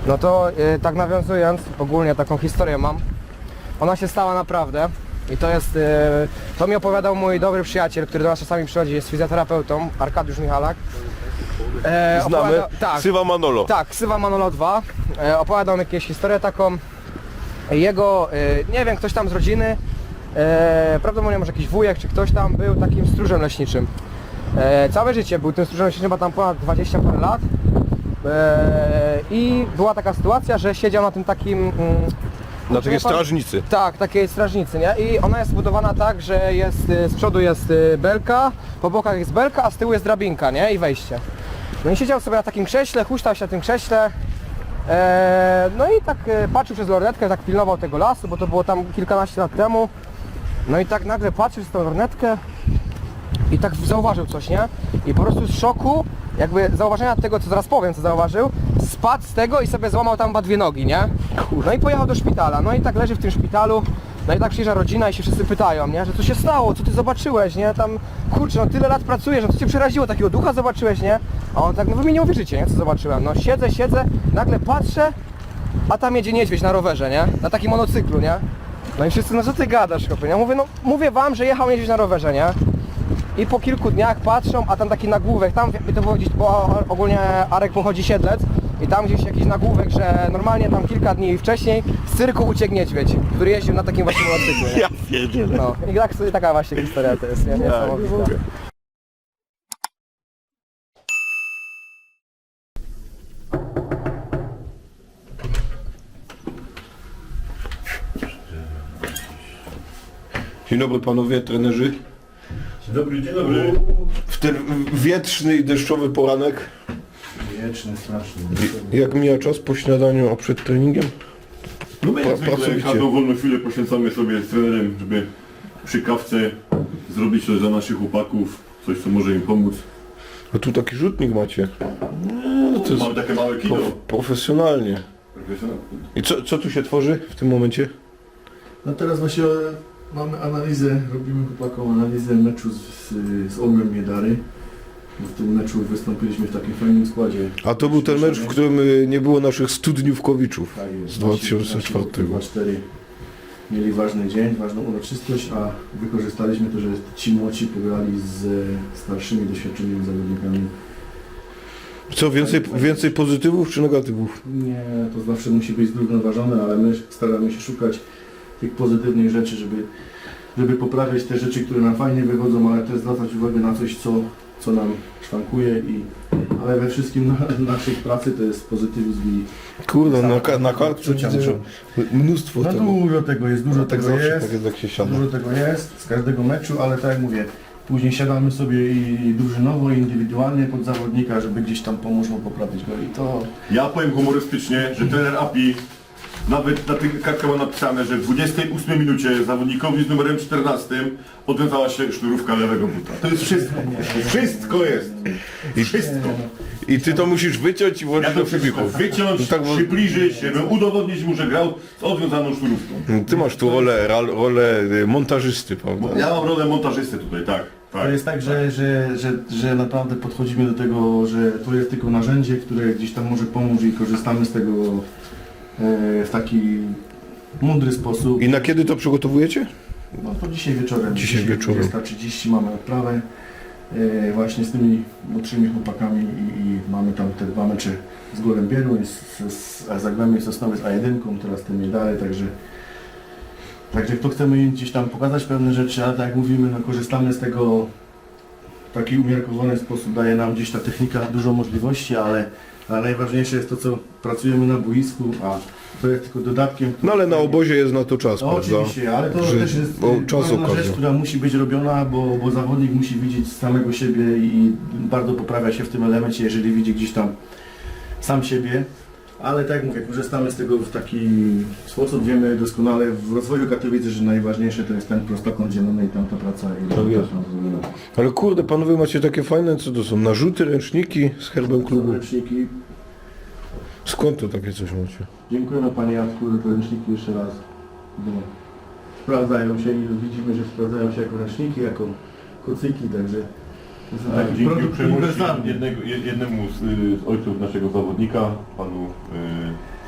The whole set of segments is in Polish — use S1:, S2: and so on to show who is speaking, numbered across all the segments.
S1: No to tak nawiązując, ogólnie taką historię mam. Ona się stała naprawdę i to jest, to mi opowiadał mój dobry przyjaciel, który do nas czasami przychodzi, jest fizjoterapeutą, Arkadiusz Michalak.
S2: Znamy,
S1: tak,
S2: Ksywa Manolo.
S1: tak, Ksywa Manolo 2. Opowiadał mi jakąś historię taką. Jego, nie wiem, ktoś tam z rodziny, prawdopodobnie może jakiś wujek czy ktoś tam był takim stróżem leśniczym. Całe życie był tym stróżem leśniczym, bo tam ponad 20 parę lat. I była taka sytuacja, że siedział na tym takim...
S2: Na takiej strażnicy.
S1: Tak, takiej strażnicy, nie? I ona jest zbudowana tak, że jest, z przodu jest belka, po bokach jest belka, a z tyłu jest drabinka, nie? I wejście. No i siedział sobie na takim krześle, huśtał się na tym krześle. No i tak patrzył przez lornetkę, tak pilnował tego lasu, bo to było tam kilkanaście lat temu. No i tak nagle patrzył przez tą lornetkę i tak zauważył coś, nie? I po prostu z szoku, jakby zauważenia tego, co zaraz powiem, co zauważył, spadł z tego i sobie złamał tam chyba 2 nogi, nie? No i pojechał do szpitala, no i tak leży w tym szpitalu, no i tak przyjeżdża rodzina i się wszyscy pytają, nie? Że co się stało, co ty zobaczyłeś, nie? Tam, kurczę, no tyle lat pracujesz, no co cię przeraziło, takiego ducha zobaczyłeś, nie? A on tak, no wy mi nie uwierzycie, nie? Co zobaczyłem, no siedzę, nagle patrzę, a tam jedzie niedźwiedź na rowerze, nie? Na takim monocyklu, nie? No i wszyscy, no co ty gadasz, chłopie, nie? Mówię, no mówię wam, że jechał niedźwiedź na rowerze, nie? I po kilku dniach patrzą, a tam taki nagłówek, tam to było gdzieś, bo ogólnie Arek pochodzi Siedlec i tam gdzieś jakiś nagłówek, że normalnie tam kilka dni wcześniej z cyrku uciekł niedźwiedź, który jeździł na takim właśnie motocyklu, nie?
S2: Ja pierdzielę.
S1: No i tak, taka właśnie historia to jest, nie? Niesamowita.
S2: Dzień dobry panowie trenerzy.
S3: Dzień dobry, dzień dobry.
S2: W ten wietrzny i deszczowy poranek.
S3: Wieczny, straszny.
S2: Jak mija czas po śniadaniu, a przed treningiem?
S3: No my jak zwykle
S2: pracowicie.
S3: każdą wolną chwilę poświęcamy sobie z trenerem, żeby przy kawce zrobić coś dla naszych chłopaków, coś co może im pomóc.
S2: A tu taki rzutnik macie. No, to jest
S3: Mamy takie małe kino.
S2: profesjonalnie. I co tu się tworzy w tym momencie?
S4: No teraz właśnie mamy analizę, robimy chłopakom analizę meczu z Orłem Miedary. Bo w tym meczu wystąpiliśmy w takim fajnym składzie.
S2: A to był ten mecz, w którym nie było naszych studniówkowiczów
S4: Tak jest.
S2: z 2004.
S4: 4 mieli ważny dzień, ważną uroczystość, a wykorzystaliśmy to, że ci młodsi pograli z starszymi, doświadczonymi zawodnikami.
S2: Co, więcej pozytywów czy negatywów?
S4: Nie, to zawsze musi być zrównoważone, ale my staramy się szukać tych pozytywnych rzeczy, żeby poprawiać te rzeczy, które nam fajnie wychodzą, ale też zwracać uwagę na coś, co nam szwankuje ale we wszystkim naszej pracy to jest pozytywizm i
S2: Kurde, na kartce
S4: czucia
S2: widzę,
S4: muszą.
S2: mnóstwo
S4: no
S2: tego.
S4: dużo tego jest, dużo
S2: Tak
S4: tego
S2: zawsze,
S4: jest,
S2: tak jest jak się siada.
S4: dużo tego jest z każdego meczu, ale tak jak mówię, później siadamy sobie i drużynowo, i indywidualnie pod zawodnika, żeby gdzieś tam pomóc mu poprawić go i to...
S3: Ja powiem humorystycznie, że trener API nawet na tych kartkach ma napisane, że w 28 minucie zawodnikowi z numerem 14 odwiązała się sznurówka lewego buta. To jest wszystko. Wszystko jest. Wszystko.
S2: I ty to musisz wyciąć i
S3: Ja
S2: włożyć
S3: to
S2: do
S3: wszystko
S2: filmików.
S3: wyciąć,
S2: No tak, bo-
S3: przybliżyć, żeby udowodnić mu, że grał z odwiązaną sznurówką.
S2: Ty masz tu rolę montażysty, prawda?
S3: Ja mam rolę montażysty tutaj, tak.
S4: To jest tak, że naprawdę podchodzimy do tego, że to jest tylko narzędzie, które gdzieś tam może pomóc i korzystamy z tego w taki mądry sposób.
S2: I na kiedy to przygotowujecie?
S4: No to dzisiaj wieczorem.
S2: Dzisiaj wieczorem.
S4: 20:30 mamy odprawę właśnie z tymi młodszymi chłopakami i mamy tam te 2 mecze z Gołębieru i z Zagłębiem Sosnowiec A1, teraz te medale, także to chcemy im gdzieś tam pokazać pewne rzeczy, ale tak jak mówimy, no korzystamy z tego w taki umiarkowany sposób, daje nam gdzieś ta technika dużo możliwości, ale najważniejsze jest to, co pracujemy na boisku, a to jest tylko dodatkiem.
S2: No ale na obozie jest na to czas,
S4: No
S2: prawda?
S4: oczywiście, ale to
S2: Że-
S4: też jest
S2: bo czas
S4: ważna
S2: okazja.
S4: rzecz, która musi być robiona, bo zawodnik musi widzieć samego siebie i bardzo poprawia się w tym elemencie, jeżeli widzi gdzieś tam sam siebie. Ale tak jak mówię, korzystamy z tego w taki sposób, wiemy doskonale w rozwoju Katowice, że najważniejsze to jest ten prostokąt zielony i tamta praca. I
S2: Tak jest. Ale kurde, panowie macie takie fajne, co to są? Narzuty, ręczniki z herbem klubu.
S4: Ręczniki.
S2: Skąd to takie coś macie?
S4: Dziękujemy Panie Jacku za te ręczniki jeszcze raz. No, sprawdzają się i widzimy, że sprawdzają się jako ręczniki, jako kocyki, także to jest taki
S3: Dzięki
S4: produkt
S3: uprzejmości
S4: uniwersalny.
S3: jednemu z ojców naszego zawodnika, panu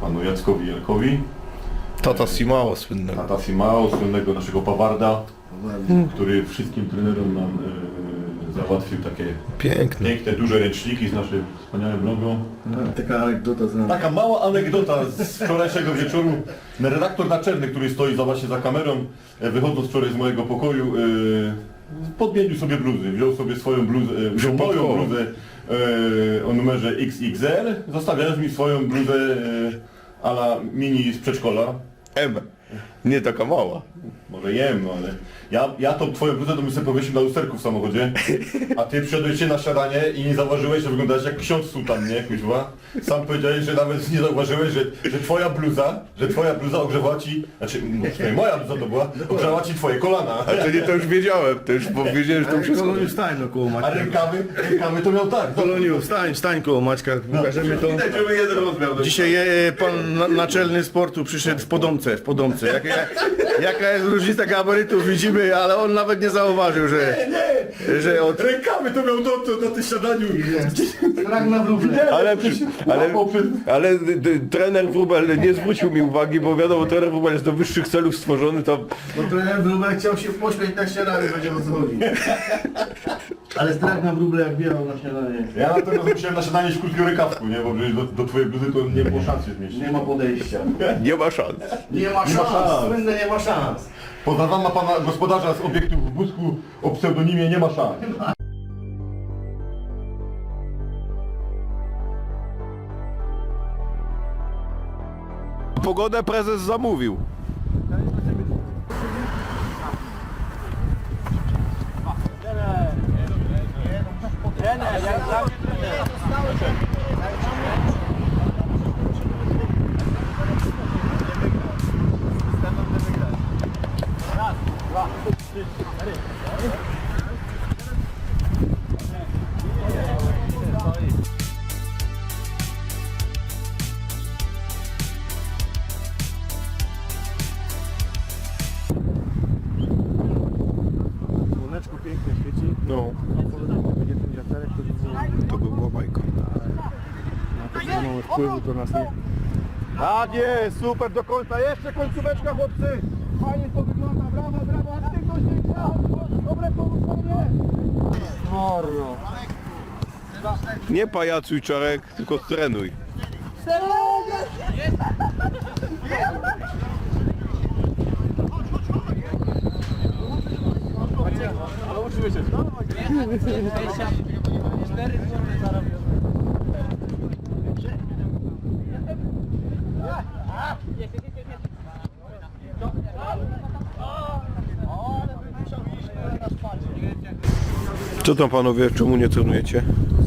S3: panu Jackowi Jelkowi,
S2: Tata Simao słynnego.
S3: Tata Simao, słynnego naszego Pawarda, który wszystkim trenerom nam załatwił takie
S2: Piękne.
S3: piękne, duże ręczniki z naszym wspaniałym logo.
S4: Taka anegdota z nami.
S3: Taka mała anegdota z wczorajszego wieczoru. Redaktor naczelny, który stoi właśnie za kamerą, wychodząc wczoraj z mojego pokoju, podmienił sobie bluzy. Wziął sobie swoją bluzę, wziął moją bluzę o numerze XXL, zostawiając mi swoją bluzę a la mini z przedszkola.
S2: M. Nie taka mała.
S3: Może jem, no ale ja tą twoją bluzę to bym sobie powiesił na lusterku w samochodzie, a ty przyszedłeś się na śniadanie i nie zauważyłeś, że wyglądałeś jak ksiądz sutan, nie, kuźwa? Sam powiedziałeś, że nawet nie zauważyłeś, że twoja bluza ogrzewała ci, znaczy, no, moja bluza to była, ogrzewała ci twoje kolana,
S2: To już wiedziałem, to już wiedziałem, że to wszystko.
S4: Koloniu, wstań no koło
S3: a
S4: Maćka.
S3: rękawy to miał tak.
S4: Koloniu, wstań koło Maćka, pokażemy to.
S3: Widać, żeby jeden rozmiar.
S4: Dzisiaj pan naczelny sportu przyszedł w Podomce. Jaka jest różnica gabarytów widzimy, ale on nawet nie zauważył, że od...
S3: Rękawy to miał na tym śniadaniu.
S4: Strach na wróble.
S2: Ale trener Wróbel nie zwrócił mi uwagi, bo wiadomo, trener Wróbel jest do wyższych celów stworzony, to
S4: Bo trener wróbel chciał się pośmiać na śniadanie, będzie o co chodzi. Ale strach na wróble jak biegał na śniadanie.
S3: Ja natomiast musiałem na śniadanie w krótkim rękawku, nie, bo przecież do twojej bluzy to nie było szans się zmieścić.
S4: Nie ma podejścia.
S2: nie ma szans.
S4: Nie ma
S3: Nie ma szans.
S4: szans. Słynne nie ma szans.
S3: Pozdrawiam pana gospodarza z obiektu w Busku o pseudonimie Nie ma szans.
S2: Pogodę prezes zamówił.
S4: Słoneczko pięknie świeci.
S2: No,
S4: Będzie ten wiaterek,
S2: to by była bajka.
S4: to mamy wpływu, to nas nie... Tak jest, super do końca, jeszcze końcóweczka chłopcy! Fajnie to wygląda, brawo, aktywność większa! Dobre poruszenie! Morno!
S2: Nie pajacuj, Czarek, tylko trenuj. Co tam panowie, czemu nie trenujecie?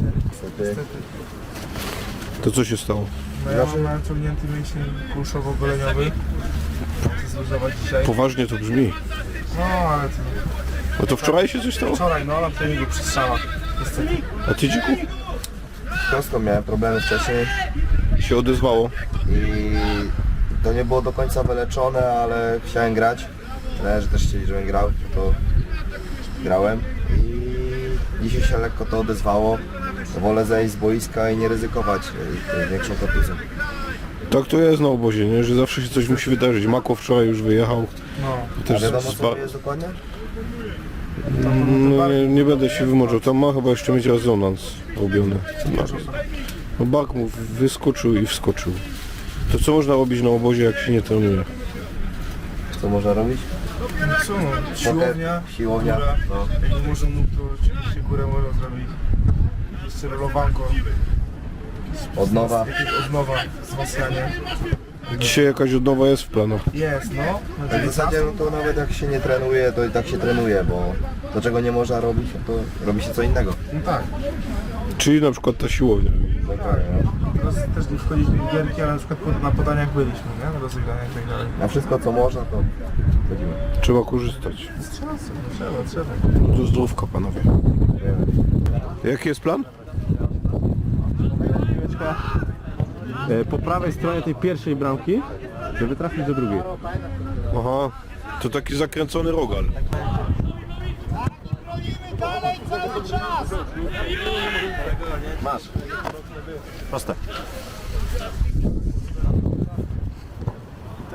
S2: To co się stało?
S5: No ja mam naciągnięty mięsień kulszowo-goleniowy. Chcę zluzować dzisiaj.
S2: Poważnie to brzmi.
S5: No ale to
S2: No to wczoraj się coś stało?
S5: wczoraj, no na treningu przy strzałach. Niestety.
S2: A ty dziku?
S6: Kostką miałem problemy wcześniej
S2: Się odezwało.
S6: i to nie było do końca wyleczone, ale chciałem grać. Trenerzy też chcieli, żebym grał, to grałem i dzisiaj się lekko to odezwało. Wolę zejść z boiska i nie ryzykować większą kontuzją.
S2: Tak to jest na obozie, nie? Że zawsze się coś musi wydarzyć. Mako wczoraj już wyjechał.
S5: No.
S6: A
S2: Też
S6: wiadomo co to jest dokładnie?
S2: No, nie będę się wymoczał. Tam ma chyba jeszcze mieć rezonans robiony. No bark mu wyskoczył i wskoczył. To co można robić na obozie, jak się nie trenuje?
S6: Co można robić?
S5: Co no, siłownia,
S6: Siłownia.
S5: góra.
S6: No.
S5: Jak nie może nóg, to oczywiście górę można zrobić. Jeszcze rolowanko.
S6: Odnowa.
S5: Jakieś odnowa, wzmacnianie.
S2: Dzisiaj jakaś odnowa jest w planach.
S5: Jest, no. Na
S6: W zasadzie no to nawet jak się nie trenuje, to i tak się trenuje, bo to czego nie można robić, no to robi się co innego.
S5: No tak.
S2: Czyli na przykład ta siłownia.
S6: Dokładnie, no.
S5: Teraz też nie wchodziliśmy w gierki, ale na przykład na podaniach byliśmy, nie? Na rozegraniach i tak dalej.
S6: Na wszystko co można, to chodzimy.
S2: Trzeba korzystać.
S5: Trzeba, trzeba.
S2: No to zdrówka panowie. Jaki jest plan?
S7: Po prawej stronie tej pierwszej bramki, żeby trafić do drugiej.
S2: Aha, to taki zakręcony rogal.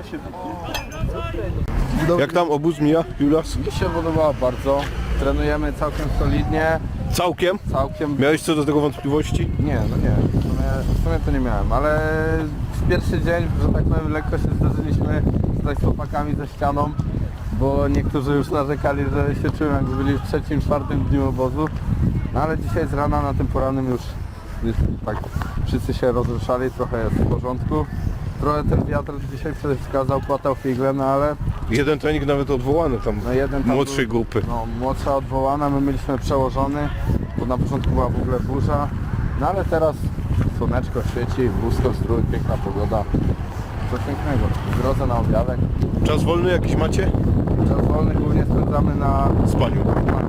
S2: Jak tam obóz mija, Julas?
S8: Mi się podobało bardzo. Trenujemy całkiem solidnie,
S2: Całkiem?
S8: całkiem...
S2: Miałeś co do tego wątpliwości?
S8: Nie, no nie, w sumie to nie miałem, ale w pierwszy dzień, że tak powiem, lekko się zderzyliśmy tutaj z chłopakami ze ścianą, bo niektórzy już narzekali, że się czują jakby byli w trzecim, czwartym dniu obozu, no ale dzisiaj z rana na tym porannym już tak wszyscy się rozruszali, trochę jest w porządku. Trochę ten wiatr dzisiaj przeszkadzał, płatał figle, no ale
S2: Jeden trening nawet odwołany tam,
S8: no jeden tam
S2: młodszej
S8: był,
S2: grupy.
S8: no, młodsza odwołana, my mieliśmy przełożony, bo na początku była w ogóle burza, no ale teraz słoneczko świeci, wózko strój, piękna pogoda, coś pięknego. W drodze na obiadek,
S2: Czas wolny jakiś macie?
S8: czas wolny głównie spędzamy na...
S2: Spaniu.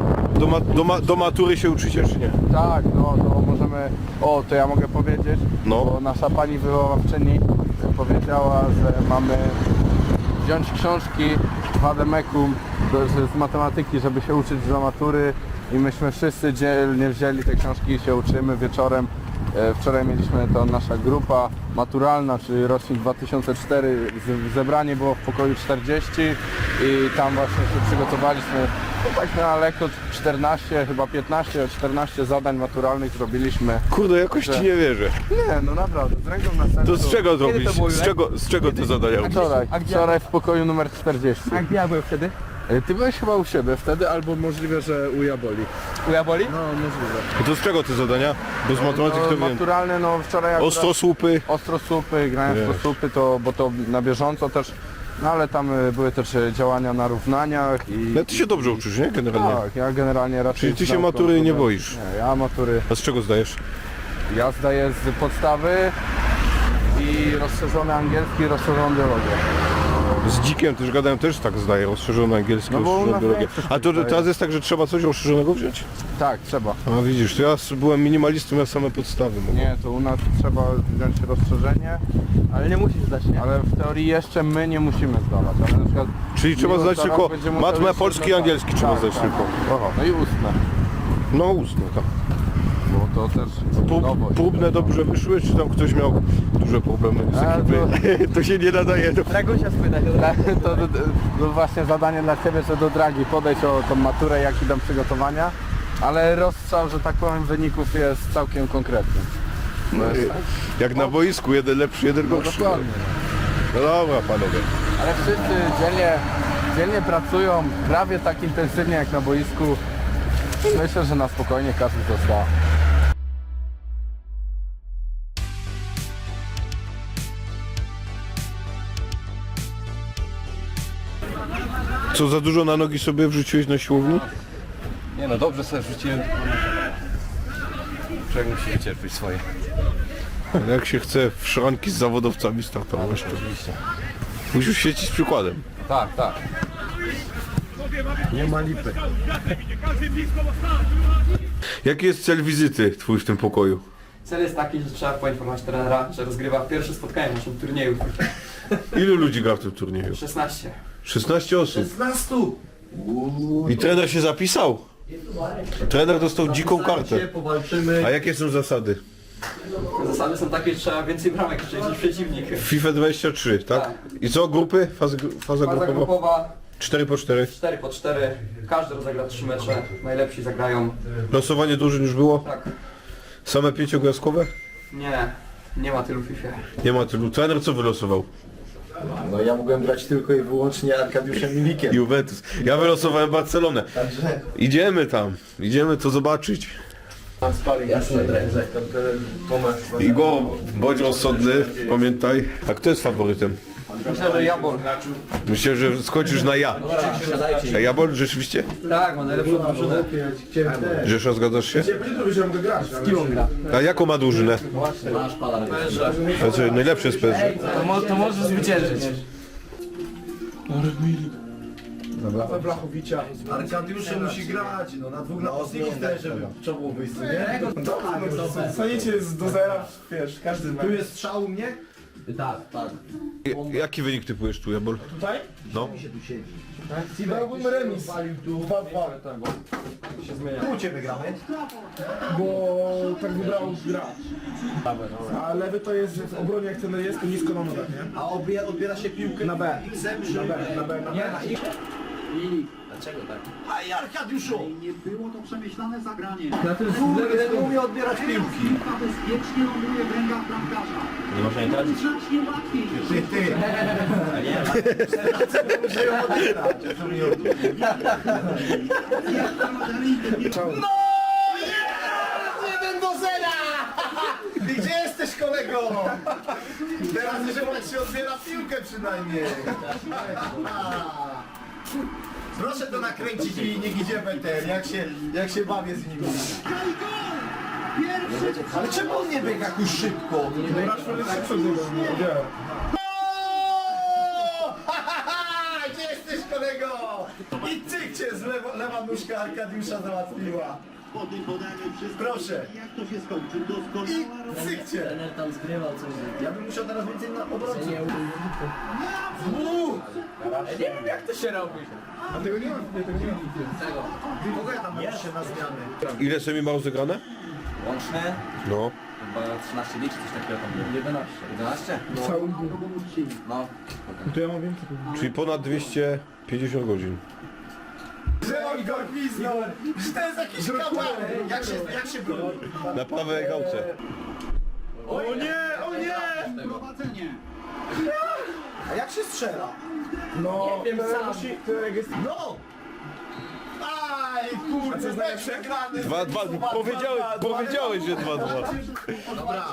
S2: Do matury się uczycie, czy nie?
S8: Tak, no to możemy, to ja mogę powiedzieć,
S2: No.
S8: bo nasza pani wychowawczyni powiedziała, że mamy wziąć książki Wademekum z matematyki, żeby się uczyć do matury i myśmy wszyscy dzielnie wzięli te książki i się uczymy wieczorem. Wczoraj mieliśmy to nasza grupa maturalna, czyli rocznik 2004, zebranie było w pokoju 40 i tam właśnie się przygotowaliśmy, no tak na lekko 14, chyba 15, 14 zadań maturalnych zrobiliśmy.
S2: Kurde, jakoś ci nie wierzę.
S8: Nie, no naprawdę, z ręką na sercu.
S2: To z czego
S1: to
S2: robisz?
S1: było,
S2: Z czego te zadania robisz?
S8: Wczoraj w pokoju numer 40.
S1: A ja byłem wtedy?
S8: Ty byłeś chyba u siebie wtedy, albo możliwe, że u Jaboli.
S1: U Jaboli?
S8: No, możliwe.
S2: To z czego te zadania? Bo z matematyki to wiem.
S8: Maturalne, no wczoraj akurat...
S2: Ostrosłupy.
S8: Ostrosłupy, grałem w
S2: Wiesz.
S8: ostrosłupy, bo to na bieżąco też, no ale tam były też działania na równaniach i...
S2: No ty się dobrze uczysz, nie? Generalnie.
S8: Tak, ja generalnie raczej...
S2: Czyli ty
S8: z
S2: się
S8: nauką
S2: matury nie
S8: to-
S2: boisz?
S8: Nie, ja matury...
S2: A z czego zdajesz?
S8: Ja zdaję z podstawy i rozszerzony angielski, rozszerzoną biologię.
S2: Z Dzikiem też gadałem, też tak zdaję, rozszerzony angielski,
S8: No bo u
S2: rozszerzoną
S8: nas
S2: biologię.
S8: większość
S2: A to
S8: tak zdaje.
S2: teraz jest tak, że trzeba coś rozszerzonego wziąć?
S8: Tak, trzeba.
S2: A widzisz, to ja byłem minimalistą, ja same podstawy mogłem.
S8: Nie, to u nas trzeba wziąć rozszerzenie,
S1: Ale nie musisz zdać, nie?
S8: ale w teorii jeszcze my nie musimy zdawać, ale na przykład...
S2: Czyli trzeba
S8: Miłosz
S2: znać
S8: zaraz
S2: tylko
S8: będzie musiał
S2: matmę,
S8: jeszcze
S2: polski i
S8: zdać.
S2: angielski trzeba znać
S8: tak.
S2: tylko.
S8: No i ustne,
S2: No ustne, tak.
S8: bo to też nowość.
S2: Próbne dobrze wyszły, czy tam ktoś miał duże problemy z
S8: A,
S2: ekipy? To się nie nadaje do...
S1: Dragusia spytać.
S8: To właśnie zadanie dla Ciebie, że do Dragi podejść o tą maturę, jak idą przygotowania, ale rozstrzał, że tak powiem, wyników jest całkiem konkretny.
S2: Jak na boisku, jeden lepszy, jeden gorszy.
S8: Dokładnie.
S2: No dobra, panowie.
S8: Ale wszyscy dzielnie pracują, prawie tak intensywnie jak na boisku. Myślę, że na spokojnie każdy to zda.
S2: Co, za dużo na nogi sobie wrzuciłeś na siłowni?
S9: Nie no, dobrze sobie wrzuciłem. Człowiek musi wycierpieć swoje.
S2: Ale jak się chce w szranki z zawodowcami startować, to
S9: Oczywiście.
S2: musisz świecić przykładem.
S9: Tak, tak.
S2: Nie ma lipy. Jaki jest cel wizyty twój w tym pokoju?
S1: Cel jest taki, że trzeba poinformować trenera, że rozgrywa pierwsze spotkanie w naszym turnieju.
S2: Ilu ludzi gra w tym turnieju?
S1: 16.
S2: 16 osób. 16! I trener się zapisał? Trener dostał dziką kartę. A jakie są zasady?
S1: Zasady są takie, że trzeba więcej bramek strzelić niż przeciwnik.
S2: FIFA 23, tak? I co, grupy? Faza
S1: Faza
S2: grupowa?
S1: grupowa
S2: 4x4.
S1: 4x4. Każdy rozegra 3 mecze. Najlepsi zagrają.
S2: Losowanie drużyn już było?
S1: Tak.
S2: Same pięciogwiazdkowe?
S1: Nie ma tylu w FIFA.
S2: Nie ma tylu. Trener co wylosował?
S4: No ja mogłem grać tylko i wyłącznie Arkadiuszem Milikiem.
S2: Juventus. Ja wylosowałem Barcelonę.
S4: Także
S2: Idziemy tam. Idziemy to zobaczyć.
S1: Jasne,
S2: Igor, bądź rozsądny, pamiętaj. A kto jest faworytem?
S1: Myślę, że Jabol.
S2: Myślę, że skończysz na ja. A Jabol rzeczywiście?
S1: Tak, ma najlepszą drużynę.
S2: Rzesza, zgadzasz się?
S1: Z kim on gra?
S2: A jaką ma drużynę? Znaczy, najlepsze jest PSG.
S1: To może zwyciężyć.
S4: Arkadiusze musi grać, no na dwóch napastników też, żeby czoło wyjść, nie?
S5: Staniecie do zera, wiesz, każdy ma.
S4: Tu jest strzał u mnie,
S2: Jaki wynik typujesz tu, Jabol?
S1: Tutaj?
S2: No.
S1: Dałbym remis. 2-2.
S6: U Ciebie gramy?
S5: Bo tak wybrał gracz. A lewy to jest w obronie, jak ten jest, to nisko na nogach, nie?
S6: A odbiera się piłkę
S5: Na B.
S6: X-em czy...
S5: Na B, na B, na B.
S6: Aj, Arkadiuszu!
S10: Nie było to przemyślane zagranie.
S6: Kurde, nie umie odbierać piłki.
S10: Piłka bezpiecznie ląduje w rękach bramkarza.
S9: Nie można jej tracić.
S10: Znacznie łatwiej.
S6: Ty. Muszę ją odbierać. Co mi No! 1-0! Gdzie jesteś, kolego? Teraz już jak się odbiera piłkę przynajmniej. Proszę to nakręcić i niech idzie Beter, jak się bawię z nimi. Ale czemu on nie biega jakoś szybko? Gdzie jesteś, kolego? I cyk cię z lewa nóżka Arkadiusza załatwiła.
S10: Po tym podaniu wszystko.
S6: Proszę.
S10: Jak to się skończy?
S6: I
S10: Doskonała robota.
S6: cyk cię.
S1: Tam zgrywał coś.
S6: Ja bym musiał teraz więcej na obrońców.
S1: Nie wiem jak to się robi.
S5: A tego nie ma, nie, tego nie ma.
S6: Kogo ja tam muszę się na zmiany?
S2: Ile semi ma rozegrane?
S9: Łączne?
S2: No.
S9: Chyba 13 dni czy coś takiego tam było. 11. 11?
S5: Cały
S9: No.
S5: To ja mam więcej.
S2: Czyli ponad 250 godzin.
S6: Że on go gwizdnął! Że to jest jakiś kabaret! Jak się broni?
S2: Na prawej gałce.
S6: O nie! O nie!
S10: Prowadzenie.
S6: A jak się strzela?
S5: No,
S1: Nie wiem
S5: to
S1: sam.
S5: musi, to jak jest...
S6: No! Aj, kurde, mecz przegrany!
S2: 2-2. Powiedziałeś, że 2-2.
S6: Dobra.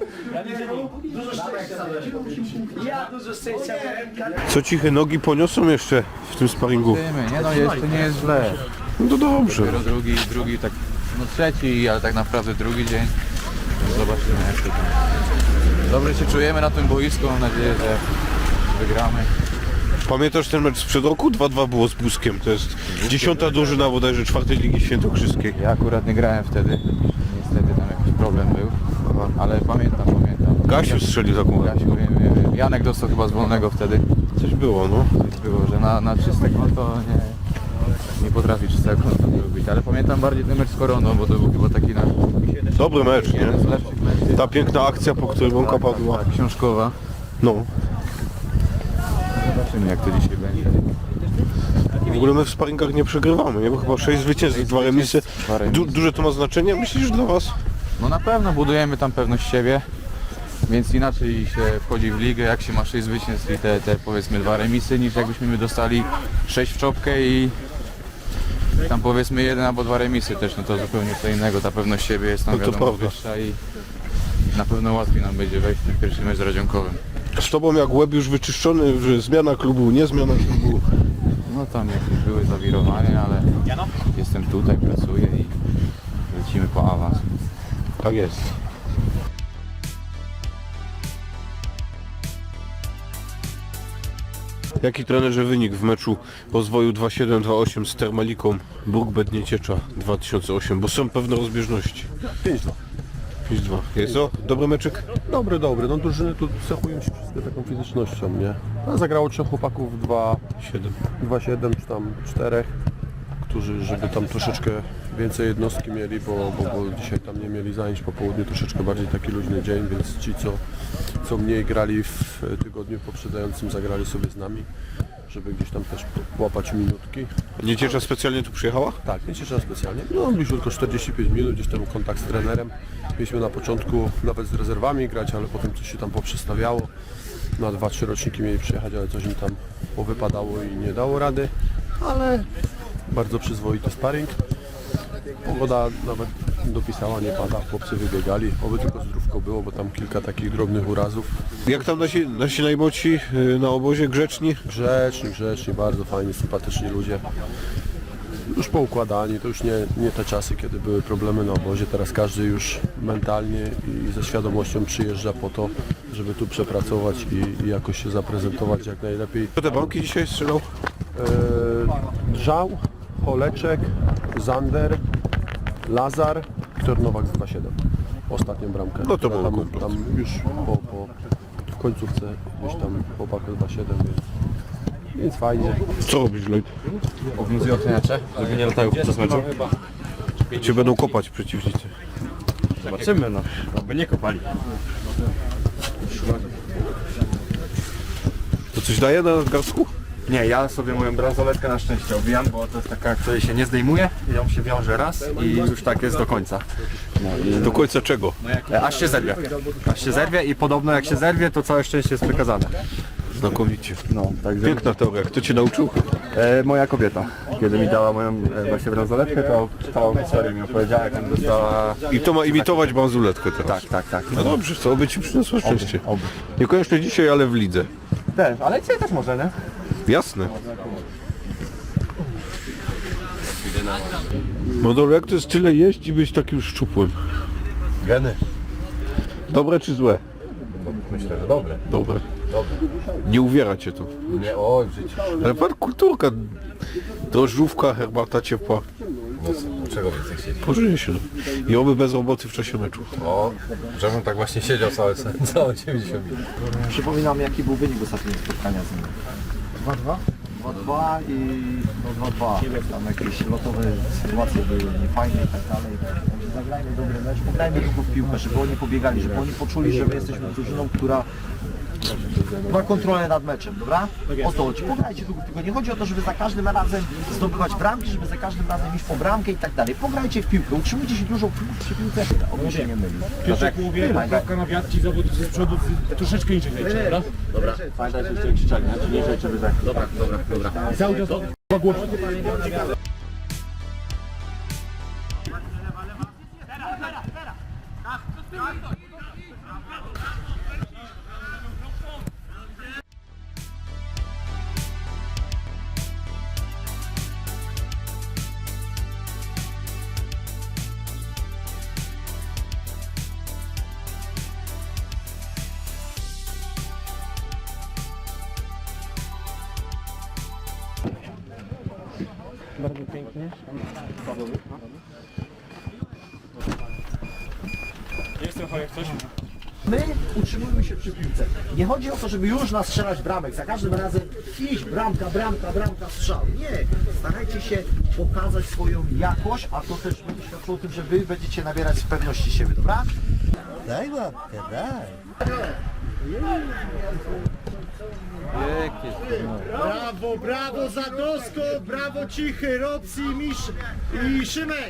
S6: Dużo szczęścia.
S1: Ja dużo szczęścia miałem.
S2: Co ciche nogi poniosą jeszcze w tym sparingu?
S8: Nie no, jeszcze nie jest źle.
S2: No to dobrze.
S8: Dopiero drugi, tak, no trzeci, ale tak naprawdę drugi dzień. Zobaczymy jak to tam. Dobrze się czujemy na tym boisku, mam nadzieję, że wygramy.
S2: Pamiętasz ten mecz sprzed roku? 2-2 było z Buskiem. To jest 10. drużyna bodajże 4. Ligi Świętokrzyskiej.
S8: Ja akurat nie grałem wtedy, niestety tam jakiś problem był, ale pamiętam.
S2: Gasiu strzelił taką.
S8: Gasiu, wiem. Janek dostał chyba z wolnego wtedy.
S2: Coś było, no.
S8: Było, że na czyste konto nie potrafi czystego konta zrobić, ale pamiętam bardziej ten mecz z Koroną, bo to był chyba taki nasz
S2: Dobry mecz, nie?
S8: jeden z lepszych meczów.
S2: Ta piękna akcja, po której bramka padła.
S8: Tak, książkowa.
S2: No.
S8: Zobaczymy jak to dzisiaj będzie.
S2: W ogóle my w sparingach nie przegrywamy, nie? Bo chyba 6 zwycięstw, 2 remisy. Duże to ma znaczenie, myślisz, dla was?
S8: No na pewno budujemy tam pewność siebie, więc inaczej się wchodzi w ligę, jak się ma 6 zwycięstw i te powiedzmy 2 remisy, niż jakbyśmy my dostali 6 w czopkę i tam powiedzmy 1 albo 2 remisy też, no to zupełnie co innego, ta pewność siebie jest tam
S2: No to
S8: wiadomo
S2: prawda.
S8: wyższa i na pewno łatwiej nam będzie wejść w ten pierwszy mecz z Radzionkowym.
S2: Z tobą jak łeb już wyczyszczony, że zmiana klubu, nie zmiana klubu.
S8: No tam jakieś były zawirowania, ale jestem tutaj, pracuję i lecimy po awans.
S2: Tak jest. Jaki trenerze wynik w meczu rozwoju 2-7-2-8 z Termaliką Bruk Nieciecza 2008, bo są pewne rozbieżności.
S11: 5-2.
S2: 5-2. Jest to dobry meczyk?
S11: Dobry. No drużyny tu cechują się wszystkie taką fizycznością, nie? A zagrało 3 chłopaków, 2-7 czy tam 4, którzy, żeby tam troszeczkę więcej jednostki mieli, bo dzisiaj tam nie mieli zajęć po południu, troszeczkę bardziej taki luźny dzień, więc ci co mniej grali w tygodniu poprzedzającym, zagrali sobie z nami, żeby gdzieś tam też łapać minutki.
S2: Nieciecza specjalnie tu przyjechała?
S11: Tak, nie cieszę specjalnie. No bliżej tylko 45 minut, gdzieś tam kontakt z trenerem. Mieliśmy na początku nawet z rezerwami grać, ale potem coś się tam poprzestawiało. Na 2-3 roczniki mieli przyjechać, ale coś im tam powypadało i nie dało rady. Ale bardzo przyzwoity sparring. Pogoda nawet dopisała, nie pada, chłopcy wybiegali. Oby tylko zdrówko było, bo tam kilka takich drobnych urazów.
S2: Jak tam nasi najmłodsi na obozie, grzeczni?
S11: Grzeczni, bardzo fajni, sympatyczni ludzie. Już poukładani, to już nie te czasy, kiedy były problemy na obozie. Teraz każdy już mentalnie i ze świadomością przyjeżdża po to, żeby tu przepracować i jakoś się zaprezentować jak najlepiej.
S2: Kto te bramki dzisiaj strzelał?
S11: Drzał, Holeczek, Zander, Lazar, Wiktor Nowak z 2-7. Ostatnią bramkę.
S2: No to był
S11: tam,
S2: komplet.
S11: tam już w końcówce gdzieś tam chłopak 2,7, więc fajnie.
S2: Co robisz, Lloyd?
S9: Obowiązują oceniacze, żeby nie latają podczas meczu.
S2: Cię będą kopać przeciwnicy.
S9: Zobaczymy, no. Aby nie kopali.
S2: To coś daje na nadgarstku?
S9: Nie, ja sobie moją bransoletkę na szczęście obijam, bo to jest taka, której się nie zdejmuje, ją się wiąże raz i już tak jest do końca.
S2: Do końca czego?
S9: Aż się zerwie. Aż się zerwie i podobno jak się zerwie, to całe szczęście jest wykazane.
S2: Znakomicie.
S9: No, także...
S2: Piękna teoria. Kto cię nauczył?
S9: Moja kobieta, kiedy mi dała moją właśnie bransoletkę, to całą historię mi opowiedziała, jak tam dostała...
S2: I to ma imitować bransoletkę teraz.
S9: Tak.
S2: No dobrze, co? Oby ci przyniosło szczęście. Niekoniecznie dzisiaj, ale w lidze.
S9: Też, ale dzisiaj też może, nie?
S2: Jasne. Model, jak to jest tyle jeść i być takim szczupłym?
S9: Geny.
S2: Dobre czy złe?
S9: Myślę, że dobre.
S2: Dobre. Nie uwiera cię to.
S9: Nie, oj, w życiu.
S2: Ale pan kulturka. Drożdżówka, herbata ciepła.
S9: Czego więcej chcieć?
S2: Pożyje się. I oby bez roboty w czasie meczu.
S9: O, żebym tak właśnie siedział całe 90 minut.
S6: Przypominam, jaki był wynik ostatniego spotkania z nimi. 2-2? 2-2 i no 2-2. Tam jakieś lotowe sytuacje były niefajne i tak dalej. Także zagrajmy dobry mecz, pograjmy długo w piłkę, żeby oni pobiegali, żeby oni poczuli, że my jesteśmy drużyną, która ma kontrolę nad meczem, dobra? O to chodzi. Pograjcie długo w piłkę. Nie chodzi o to, żeby za każdym razem zdobywać bramki, żeby za każdym razem iść po bramkę i tak dalej. Pograjcie w piłkę, utrzymujcie się dużo przy piłce, oby się nie myli.
S5: Piotrek mówię, brawka na wiatr, ci zawodnicy z przodu troszeczkę inaczej grajcie, dobra?
S6: Dobra. Pamiętajcie, że krzyczeli, nie żejcie, żeby tak. Dobra.
S5: Cały czas głośno.
S7: Bardzo pięknie.
S6: My utrzymujemy się przy piłce. Nie chodzi o to, żeby już nastrzelać bramek. Za każdym razem iść bramka, strzał. Nie. Starajcie się pokazać swoją jakość, a to też będzie świadczyło o tym, że wy będziecie nabierać pewności siebie, dobra? Daj łapkę, daj. Brawo Zadosko, brawo Cichy, Robsi, Misz i Szymek.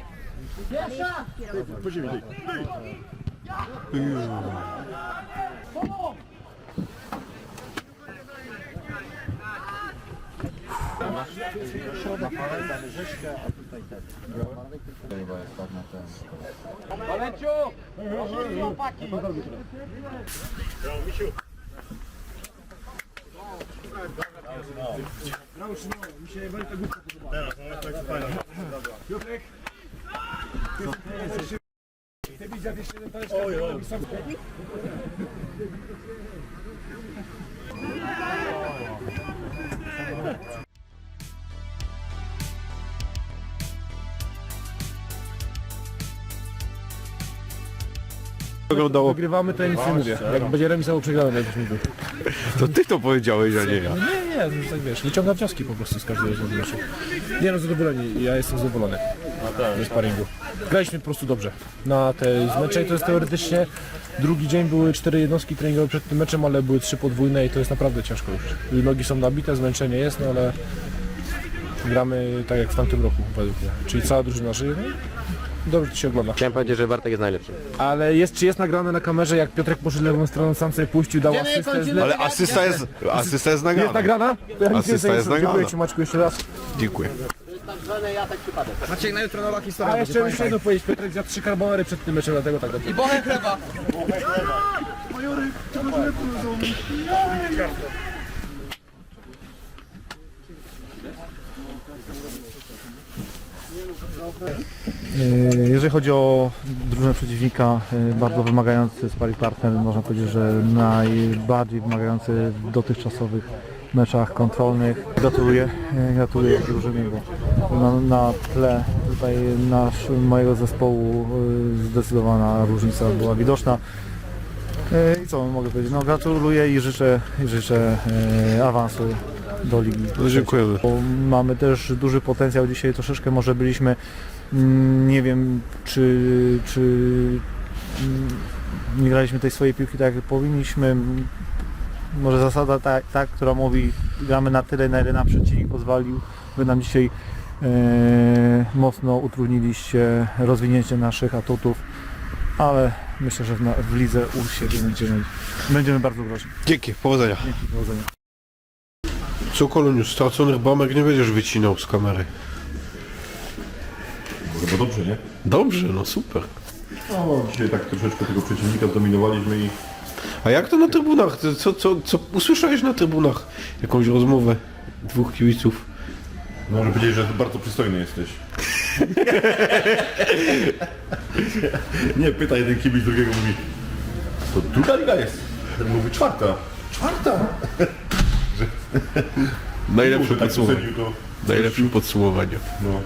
S2: Wyglądało.
S5: Wygrywamy, to ja nic nie mówię. Jak będzie remis albo przegramy na 10 minut.
S2: To ty to powiedziałeś, a nie ja.
S5: Nie, tak wiesz, wyciągam wnioski po prostu z każdego meczu. Nie no, zadowoleni, ja jestem zadowolony ze sparingu. Graliśmy po prostu dobrze na tej mecze i to jest teoretycznie drugi dzień, były 4 jednostki treningowe przed tym meczem, ale były 3 podwójne i to jest naprawdę ciężko już. Nogi są nabite, zmęczenie jest, no ale gramy tak jak w tamtym roku według mnie, czyli cała drużyna żyje. No i dobrze to się ogląda.
S7: Chciałem powiedzieć, że Bartek jest najlepszy.
S5: Ale czy jest nagrane na kamerze, jak Piotrek poszedł lewą stroną, sam sobie puścił, dał asystę z lewej?
S2: Ale asysta jest nagrana.
S5: Jest nagrana? To ja nic
S2: Asysta
S5: więcej nie
S2: jest
S5: sądzę. Dziękuję
S2: nagrana.
S5: Ci, Maćku, jeszcze raz.
S2: Dziękuję.
S1: Maciek, na jutro nowa historia.
S5: A jeszcze muszę jedno powiedzieć, Piotrek zjadł 3 carbonary przed tym meczem, dlatego tak dobrze.
S1: Bochę chleba.
S12: Jeżeli chodzi o drużynę przeciwnika, bardzo wymagający sparring partner, można powiedzieć, że najbardziej wymagający w dotychczasowych meczach kontrolnych. Gratuluję drużynie, bo na tle tutaj mojego zespołu zdecydowana różnica była widoczna. I co mogę powiedzieć? No gratuluję i życzę awansu do ligi.
S2: Dziękujemy.
S12: Bo mamy też duży potencjał dzisiaj, troszeczkę może byliśmy, nie wiem czy nie graliśmy tej swojej piłki tak jak powinniśmy. Może zasada ta, która mówi gramy na tyle, na ile nam przeciwnik pozwolił. Wy nam dzisiaj mocno utrudniliście rozwinięcie naszych atutów, ale myślę, że w lidze u siebie będziemy bardzo groźni.
S2: Dzięki, powodzenia.
S12: Dzięki, powodzenia.
S2: Co Koloniu, straconych bramek nie będziesz wycinał z kamery.
S3: Chyba dobrze, nie?
S2: Dobrze, no super.
S3: No, dzisiaj tak troszeczkę tego przeciwnika zdominowaliśmy i
S2: A jak to na trybunach? Co usłyszałeś na trybunach? Jakąś rozmowę dwóch kibiców?
S3: może powiedzieć, że bardzo przystojny jesteś. Nie, pyta jeden kibic drugiego, mówi, to druga liga jest. Ten mówi czwarta. Czwarta!
S2: Najlepsze
S3: Tak
S2: podsumowanie.
S3: ocenił to.
S2: Najlepsze podsumowanie.
S3: No.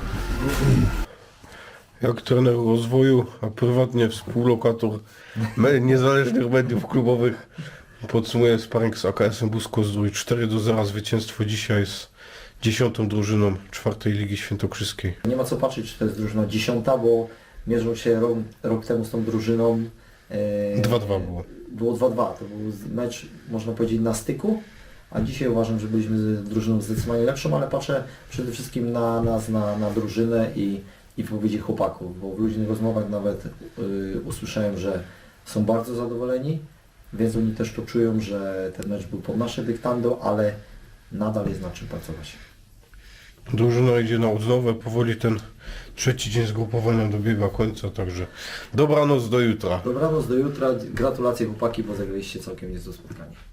S2: Jak trener rozwoju, a prywatnie współlokator niezależnych mediów klubowych, podsumuję sparring z AKS-em Busko-Zdrój. 4-0 zwycięstwo dzisiaj z 10. drużyną 4. Ligi Świętokrzyskiej.
S13: Nie ma co patrzeć, czy to jest drużyna 10, bo mierzą się rok temu z tą drużyną.
S2: 2-2 było.
S13: Było 2-2, to był mecz, można powiedzieć, na styku, a dzisiaj uważam, że byliśmy drużyną zdecydowanie lepszą, ale patrzę przede wszystkim na nas, na drużynę i wypowiedzi chłopaków, bo w luźnych rozmowach nawet usłyszałem, że są bardzo zadowoleni, więc oni też to czują, że ten mecz był pod nasze dyktando, ale nadal jest nad czym pracować.
S2: Drużyna idzie na odnowę, powoli ten trzeci dzień zgrupowania dobiega końca, także dobranoc do jutra.
S13: Dobranoc do jutra, gratulacje chłopaki, bo zagraliście całkiem niezłe spotkanie.